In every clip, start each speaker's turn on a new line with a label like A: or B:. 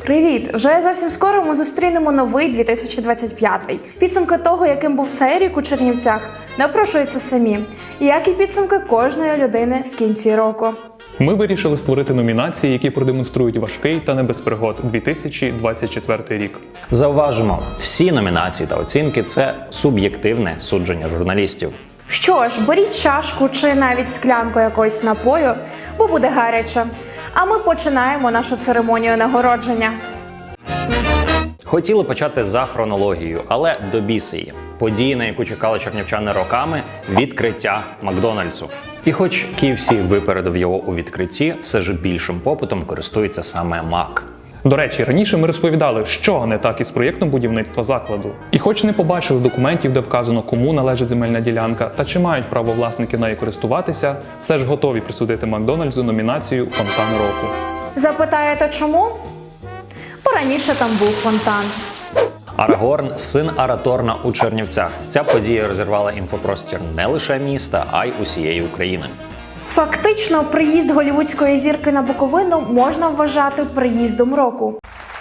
A: Привіт! Вже зовсім скоро ми зустрінемо новий 2025. Підсумки того, яким був цей рік у Чернівцях, напрошуються самі, як і підсумки кожної людини в кінці року.
B: Ми вирішили створити номінації, які продемонструють важкий та не без пригод 2024 рік.
C: Зауважимо, всі номінації та оцінки – це суб'єктивне судження журналістів.
A: Що ж, беріть чашку чи навіть склянку якогось напою, бо буде гаряче. А ми починаємо нашу церемонію нагородження.
C: Хотіли почати за хронологією, але до біси її. Події, на яку чекали чернівчани роками – відкриття Макдональдсу. І хоч KFC випередив його у відкритті, все ж більшим попитом користується саме Мак.
B: До речі, раніше ми розповідали, що не так із проєктом будівництва закладу. І хоч не побачили документів, де вказано, кому належить земельна ділянка та чи мають право власники нею користуватися, все ж готові присудити Макдональдсу номінацію «Фонтан року».
A: Запитаєте, чому? Бо раніше там був фонтан.
C: Арагорн – син Араторна у Чернівцях. Ця подія розірвала інфопростір не лише міста, а й усієї України.
A: Фактично, приїзд голлівудської зірки на Буковину можна вважати приїздом року.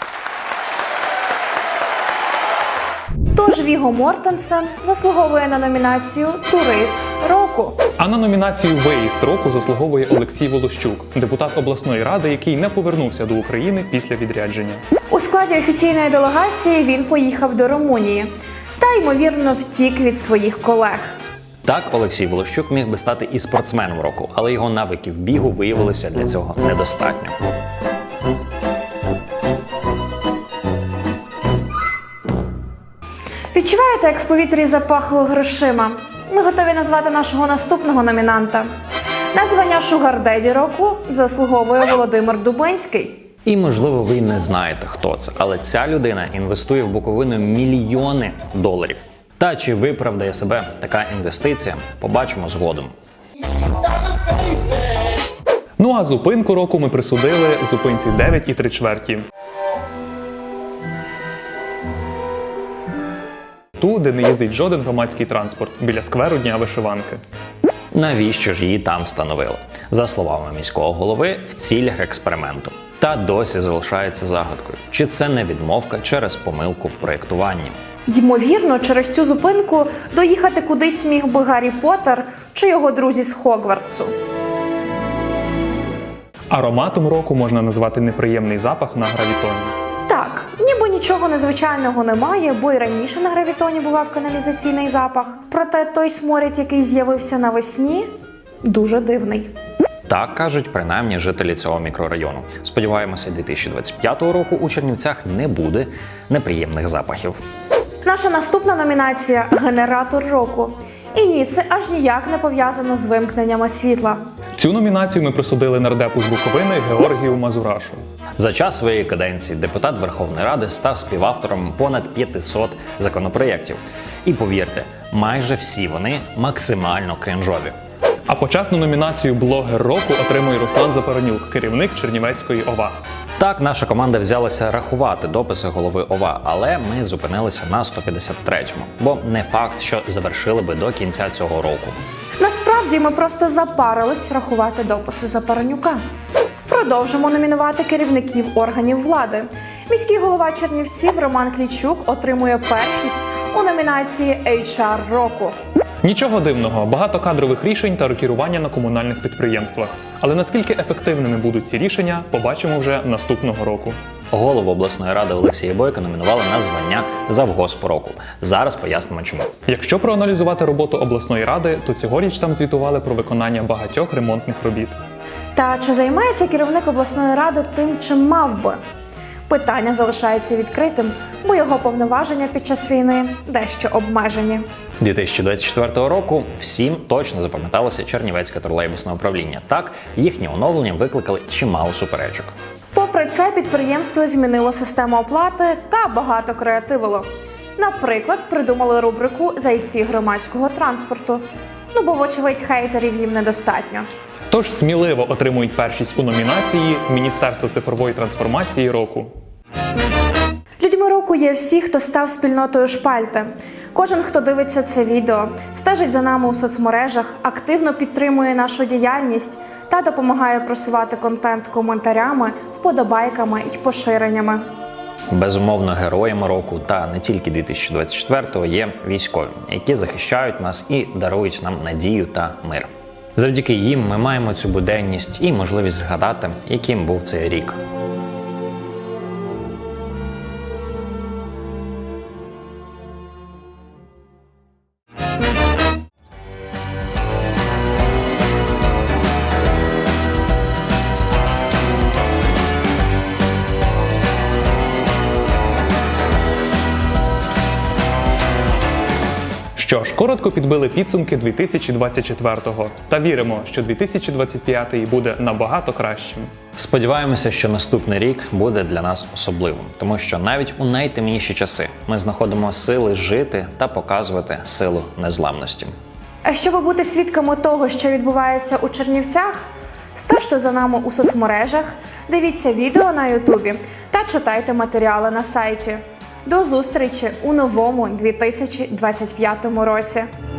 A: Тож Віго Мортенсен заслуговує на номінацію «Турист року».
B: А на номінацію «Виїзд року» заслуговує Олексій Волощук, депутат обласної ради, який не повернувся до України після відрядження.
A: У складі офіційної делегації він поїхав до Румунії та, ймовірно, втік від своїх колег.
C: Так, Олексій Волощук міг би стати і спортсменом року, але його навиків бігу виявилося для цього недостатньо.
A: Відчуваєте, як в повітрі запахло грошима? Ми готові назвати нашого наступного номінанта. На звання «Шугар-деді року» заслуговує Володимир Дубинський.
C: І, можливо, ви не знаєте, хто це, але ця людина інвестує в Буковину мільйони доларів. Та чи виправдає себе така інвестиція, побачимо згодом.
B: Ну а зупинку року ми присудили зупинці 9 3/4. Ту, де не їздить жоден громадський транспорт, біля скверу Дня вишиванки.
C: Навіщо ж її там встановили? За словами міського голови, в цілях експерименту. Та досі залишається загадкою. Чи це не відмовка через помилку в проєктуванні?
A: Ймовірно, через цю зупинку доїхати кудись міг би Гаррі Поттер чи його друзі з Хогвартсу.
B: Ароматом року можна назвати неприємний запах на гравітоні.
A: Так, ніби нічого незвичайного немає, бо й раніше на гравітоні бував каналізаційний запах. Проте той сморід, який з'явився навесні, дуже дивний.
C: Так кажуть принаймні жителі цього мікрорайону. Сподіваємося, 2025 року у Чернівцях не буде неприємних запахів.
A: Наша наступна номінація – «Генератор року». І ні, це аж ніяк не пов'язано з вимкненнями світла.
B: Цю номінацію ми присудили нардепу з Буковини Георгію Мазурашу.
C: За час своєї каденції депутат Верховної Ради став співавтором понад 500 законопроєктів. І повірте, майже всі вони максимально крінжові.
B: А почесну номінацію «Блогер року» отримує Руслан Запоронюк, керівник Чернівецької ОВА.
C: Так, наша команда взялася рахувати дописи голови ОВА, але ми зупинилися на 153-му, бо не факт, що завершили би до кінця цього року.
A: Насправді, ми просто запарились рахувати дописи Запоронюка. Продовжимо номінувати керівників органів влади. Міський голова Чернівців Роман Клічук отримує першість у номінації HR року.
B: Нічого дивного, багато кадрових рішень та рокірування на комунальних підприємствах. Але наскільки ефективними будуть ці рішення, побачимо вже наступного року.
C: Голову обласної ради Олексія Бойка номінували на звання завгосп року. Зараз пояснимо чому.
B: Якщо проаналізувати роботу обласної ради, то цьогоріч там звітували про виконання багатьох ремонтних робіт.
A: Та чи займається керівник обласної ради тим, чим мав би? Питання залишається відкритим, бо його повноваження під час війни дещо обмежені.
C: 2024 року всім точно запам'яталося Чернівецьке тролейбусне управління. Так, їхнє оновлення викликали чимало суперечок.
A: Попри це, підприємство змінило систему оплати та багато креативило. Наприклад, придумали рубрику «Зайці громадського транспорту». Ну, бо, вочевидь, хейтерів їм недостатньо.
B: Тож сміливо отримують першість у номінації «Міністерство цифрової трансформації року».
A: Людьми року є всі, хто став спільнотою Шпальти. Кожен, хто дивиться це відео, стежить за нами у соцмережах, активно підтримує нашу діяльність та допомагає просувати контент коментарями, вподобайками і поширеннями.
C: Безумовно, героями року та не тільки 2024-го є військові, які захищають нас і дарують нам надію та мир. Завдяки їм ми маємо цю буденність і можливість згадати, яким був цей рік.
B: Що ж, коротко підбили підсумки 2024-го та віримо, що 2025-й буде набагато кращим.
C: Сподіваємося, що наступний рік буде для нас особливим, тому що навіть у найтемніші часи ми знаходимо сили жити та показувати силу незламності.
A: А щоб бути свідками того, що відбувається у Чернівцях, стежте за нами у соцмережах, дивіться відео на Ютубі та читайте матеріали на сайті. До зустрічі у новому 2025 році!